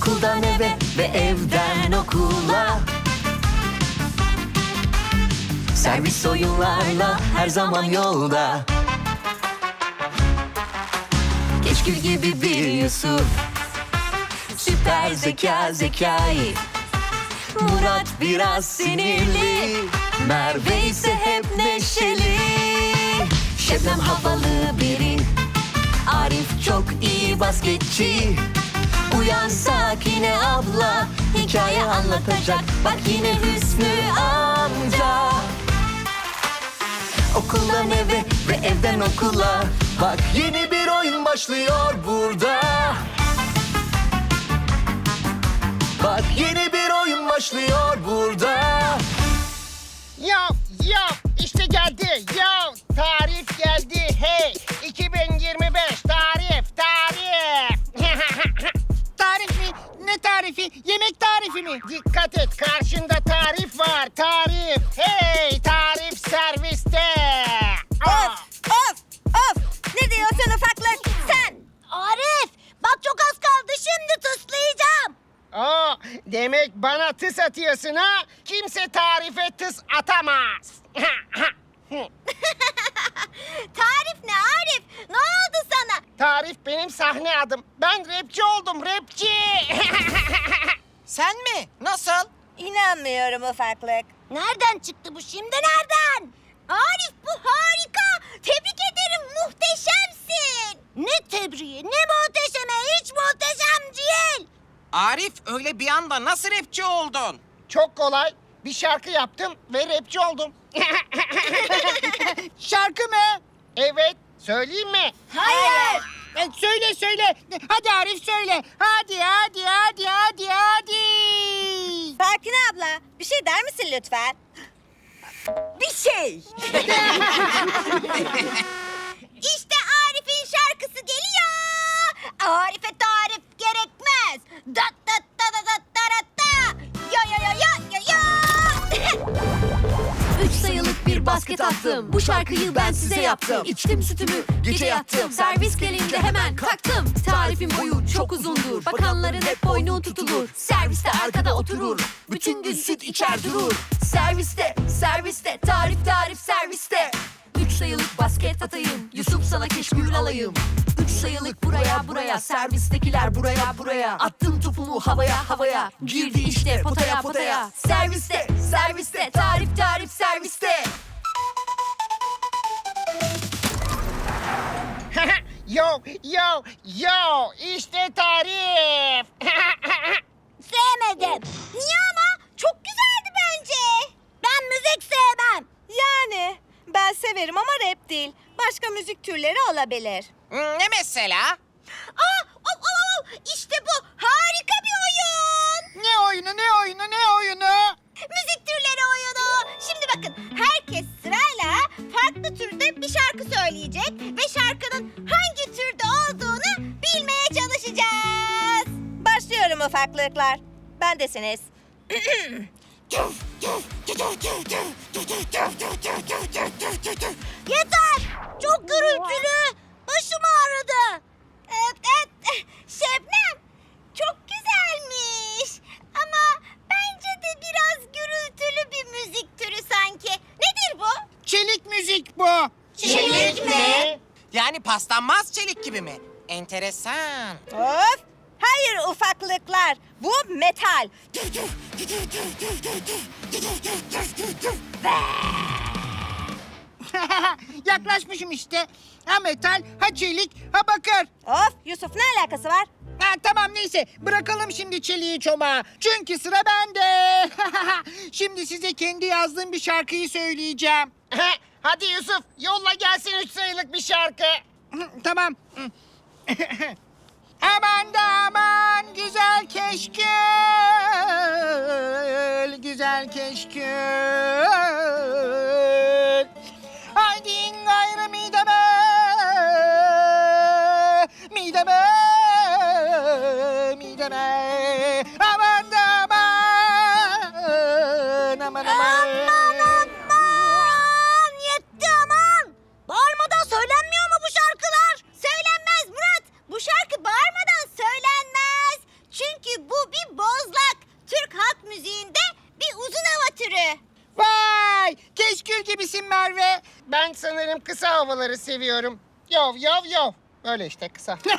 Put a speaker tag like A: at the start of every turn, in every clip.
A: Okuldan eve ve evden okula. Servis oyunlarla her zaman yolda. Keşkül gibi bir Yusuf, süper zeka Zekai. Murat biraz sinirli, Merve ise hep neşeli. Şebnem havalı biri, Arif çok iyi basketçi. Uyan Sakine abla, hikaye anlatacak. Bak yine Hüsnü amca. Okuldan eve ve evden okula. Bak yeni bir oyun başlıyor burada. Bak yeni bir oyun başlıyor burada.
B: Yo, işte geldi. Yo, tarif geldi. Hey, 2025 tarif. Tarif mi? Ne tarifi? Yemek tarifi mi? Dikkat et, karşında tarif var. Tarif. Hey, tarif serviste.
C: Of! Ne diyorsun ufaklık sen? Arif! Bak çok az kaldı, şimdi tıslayacağım.
B: Demek bana tıs atıyorsun ha? Kimse tarife tıs atamaz.
C: Tarif ne Arif? Ne oldu sana?
B: Tarif benim sahne adım. Ben rapçi oldum, rapçi.
D: Sen mi? Nasıl?
C: İnanmıyorum ufaklık. Nereden çıktı bu şimdi, nereden? Arif bu harika. Tebrik ederim, muhteşemsin. Ne tebriği, ne muhteşeme, hiç muhteşem değil.
D: Arif öyle bir anda nasıl rapçi oldun?
B: Çok kolay. Bir şarkı yaptım ve rapçi oldum. Şarkı mı? Evet. Söyleyeyim mi?
C: Hayır.
B: Söyle. Hadi Arif söyle. Hadi.
C: Sakine abla, bir şey der misin lütfen? Bir şey. İşte Arif'in şarkısı geliyor. Arif'e tarif gerekmez. Dat dat da da da da da. Ya.
A: 3 sayılık bir basket attım. Bu şarkıyı ben size yaptım. İçtim sütümü, gece yattım. Servis gelince hemen kalktım. Tarifin boyu çok uzundur. Bakanların hep boynu tutulur. Serviste arkada oturur. Bütün gün süt içer durur. Serviste, tarif serviste. 3 sayılık basket atayım. Yusuf sana keşkül alayım. 3 sayılık buraya. Servistekiler buraya. Attım topumu havaya. Girdi işte potaya. Serviste, tarif serviste.
B: Yo. İşte tarif.
C: Sevmedim. Niye ama? Çok güzeldi bence. Ben müzik sevmem. Yani ben severim ama rap değil. Başka müzik türleri olabilir.
D: Ne mesela?
C: İşte bu harika bir oyun.
B: Ne oyunu?
C: Müzik türleri oyunu. Şimdi bakın, herkes sırayla farklı türde bir şarkı söyleyecek ve şarkının hangi türde olduğunu bilmeye çalışacağız. Başlıyorum ufaklıklar. Bendesiniz. Yeter! Çok gürültülü. Başım ağrıdı. Şebnem, çok güzelmiş. Ama bence de biraz gürültülü bir müzik türü sanki. Nedir bu?
B: Çelik müzik bu.
C: Çelik mi?
D: Yani paslanmaz çelik gibi mi? Enteresan.
C: Of! Hayır ufaklıklar. Bu metal.
B: Yaklaşmışım işte. Ha metal, ha çelik, ha bakır.
C: Of! Yusuf, ne alakası var?
B: Tamam neyse bırakalım şimdi çeliği çomağı. Çünkü sıra bende. Şimdi size kendi yazdığım bir şarkıyı söyleyeceğim. Hadi Yusuf yolla gelsin 3 sayılık bir şarkı. Tamam. Aman da aman güzel keşkül, güzel keşkül. Haydi gayrı mideme, aman da aman.
C: Aman! Yetti aman! Bağırmadan söylenmiyor mu bu şarkılar? Söylenmez Murat! Bu şarkı bağırmadan söylenmez. Çünkü bu türü.
B: Vay! Keşkül gibisin Merve. Ben sanırım kısa havaları seviyorum. Yov yov yov. Böyle işte kısa.
C: Sıra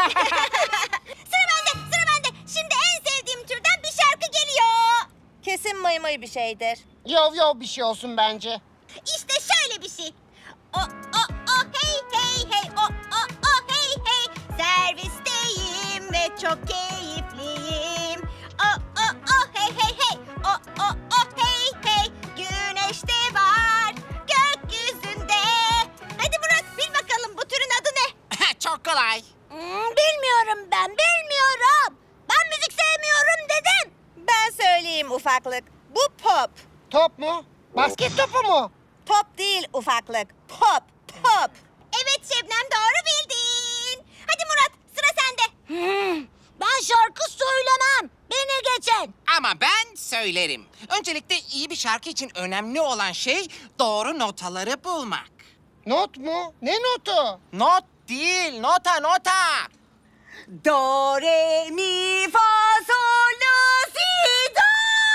C: bende. Şimdi en sevdiğim türden bir şarkı geliyor.
E: Kesin mıy mıy bir şeydir.
B: Yov yov bir şey olsun bence.
C: İşte şöyle bir şey. O hey hey hey o hey hey. Servisteyim ve çok keyifliyim. O hey hey hey o hey hey. Güneş de var gökyüzünde. Hadi Murat bil bakalım bu türün adı ne?
D: Çok kolay.
C: Bilmiyorum ben bilmiyorum. Ben müzik sevmiyorum dedim.
E: Ben söyleyeyim ufaklık. Bu pop.
B: Top mu? Basket topu mu?
E: Top değil ufaklık. Pop. Pop.
C: Evet Şebnem doğru bildin. Hadi Murat sıra sende. Ben şarkı söylemem. Beni geçen.
D: Ama ben söylerim. Öncelikle iyi bir şarkı için önemli olan şey doğru notaları bulmak.
B: Not mu? Ne notu?
D: Not değil, nota.
E: Do, re, mi, fa, sol, la, si, do.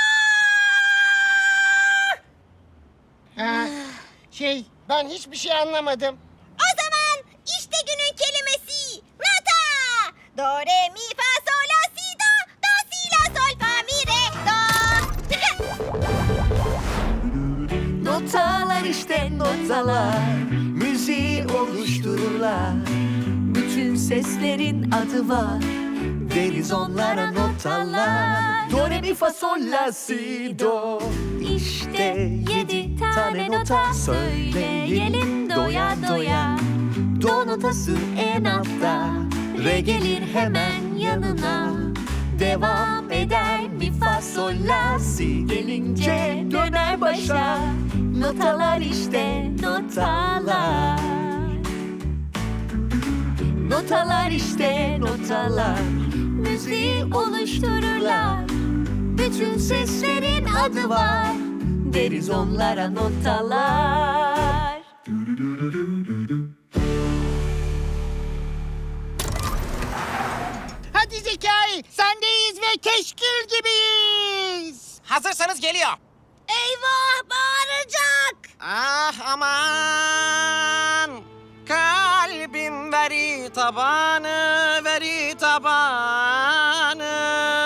B: Ha, ben hiçbir şey anlamadım.
C: O zaman işte günün kelimesi. Nota. Do, re, mi, fa, sol, la, si, do. Do, si, la, sol, fa, mi, re, do.
F: Notalar işte notalar, müziği oluştururlar. Bütün seslerin adı var, deriz onlara notalar. Do, re, mi, fa, sol, la, si, do. İşte 7 tane nota söyleyelim doya doya. Do notası en altta, re gelir hemen yanına. Devam eder mi fa sol la si gelince döner başa. Notalar işte notalar. Notalar işte notalar, müziği oluştururlar. Bütün seslerin adı var, deriz onlara notalar.
B: Hadi Zekai, sendeyiz ve keşkül gibiyiz.
D: Hazırsanız geliyor.
C: Eyvah bağıracak.
D: Ah aman. Kalbim veri tabanı, veri tabanı.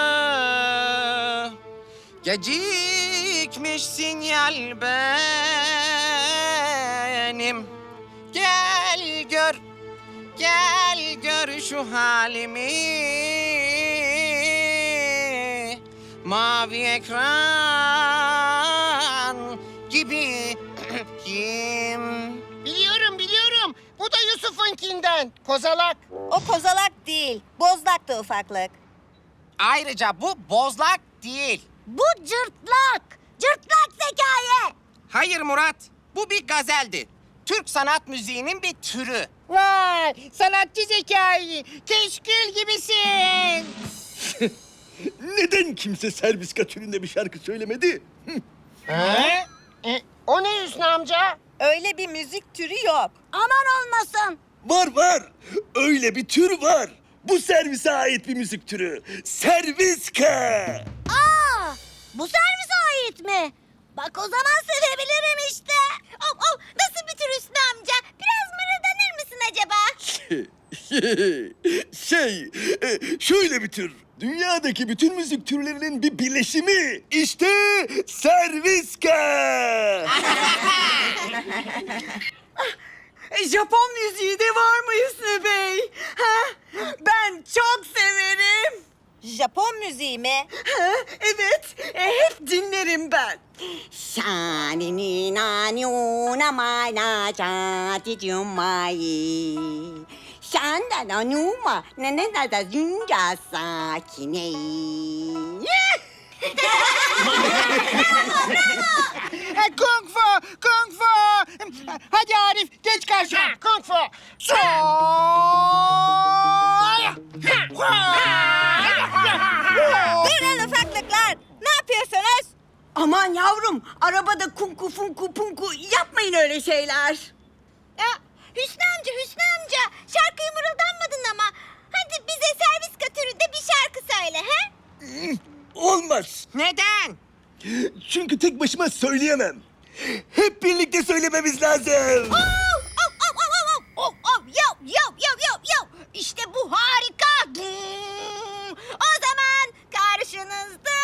D: Gecikmiş sinyal benim. Gel gör şu halimi. Mavi ekran gibi kim?
B: Biliyorum. Bu da Yusuf'unkinden. Kozalak.
E: O kozalak değil. Bozlaktı ufaklık.
D: Ayrıca bu bozlak değil.
C: Bu cırtlak. Cırtlak Zekai.
D: Hayır Murat, bu bir gazeldi. Türk sanat müziğinin bir türü.
B: Vay, sanatçı Zekai. Keşkül gibisin.
G: Neden kimse serviska türünde bir şarkı söylemedi?
B: Ha? O ne Hüsnü amca?
E: Öyle bir müzik türü yok.
C: Aman olmasın.
G: Var. Öyle bir tür var. Bu servise ait bir müzik türü. Serviska.
C: Aa, bu servise ait mi? Bak o zaman sevebilirim işte. Nasıl bir tür Hüsnü amca? Biraz mırıldanır mısın acaba?
G: Şöyle bir tür. Dünyadaki bütün müzik türlerinin bir birleşimi. İşte serviska.
E: Japon müziği de var mı Hüsnü Bey? Ben çok severim. Japon müziği mi? Evet, hep dinlerim ben.
H: Shanini nani unamai na jati jumai. Shanda na numa na na na da junja sakine.
B: Kung fu. Hadi Arif, geç karşıma. Kung fu.
E: Durun ufaklıklar. Ne yapıyorsunuz?
H: Aman yavrum, arabada kunku funku punku yapmayın öyle şeyler.
C: Ya Hüsnü amca şarkıyı mırıldanmadın ama. Hadi bize serviska türünde bir şarkı söyle he?
G: Olmaz.
D: Neden?
G: Çünkü tek başıma söyleyemem. Hep birlikte söylememiz lazım.
C: İşte bu harika. O zaman karşınızda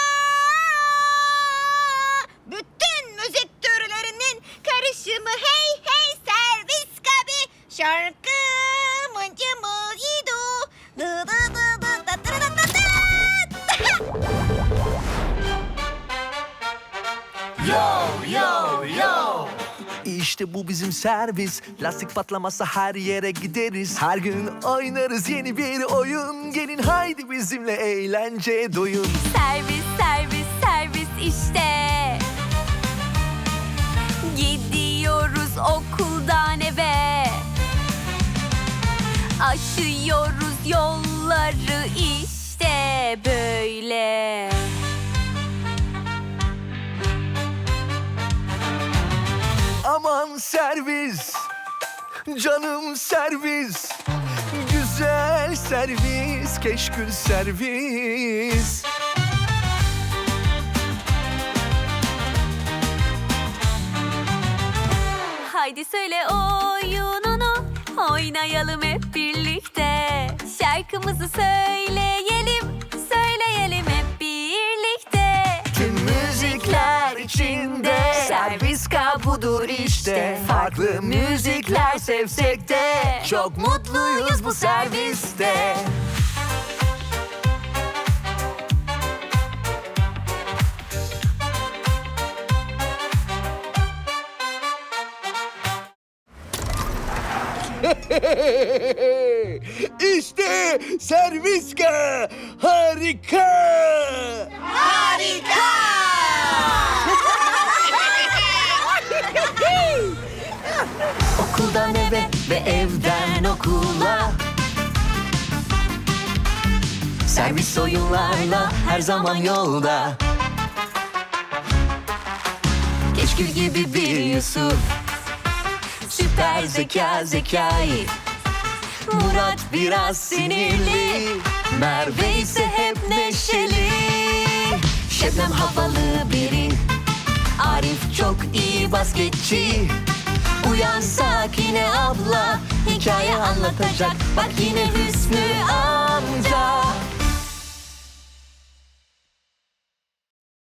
C: bütün müzik türlerinin karışımı hey hey servis kabi şarkı mıncı mıyidu dı dı dı dı da dı dı dı dı.
I: İşte bu bizim servis. Lastik patlamazsa her yere gideriz. Her gün oynarız yeni bir oyun. Gelin haydi bizimle eğlence doyun.
F: Servis, servis, servis işte. Gidiyoruz okuldan eve. Aşıyoruz yolları işte böyle.
I: Aman servis, canım servis. Güzel servis, keşkül servis.
F: Haydi söyle oyununu, oynayalım hep birlikte. Şarkımızı söyleyelim, söyleyelim hep birlikte.
I: Tüm müzikler içinde servis budur işte. Farklı müzikler sevsek de çok mutluyuz bu serviste.
G: İşte Serviska. Harika.
I: Okuldan eve ve evden okula. Servis oyunlarla her zaman yolda. Keşkül gibi bir Yusuf, süper zeka Zekai. Murat biraz sinirli, Merve ise hep neşeli. Şebnem havalı biri, Arif çok iyi basketçi. Uyan Sakine abla, hikaye anlatacak. Bak yine Hüsnü amca.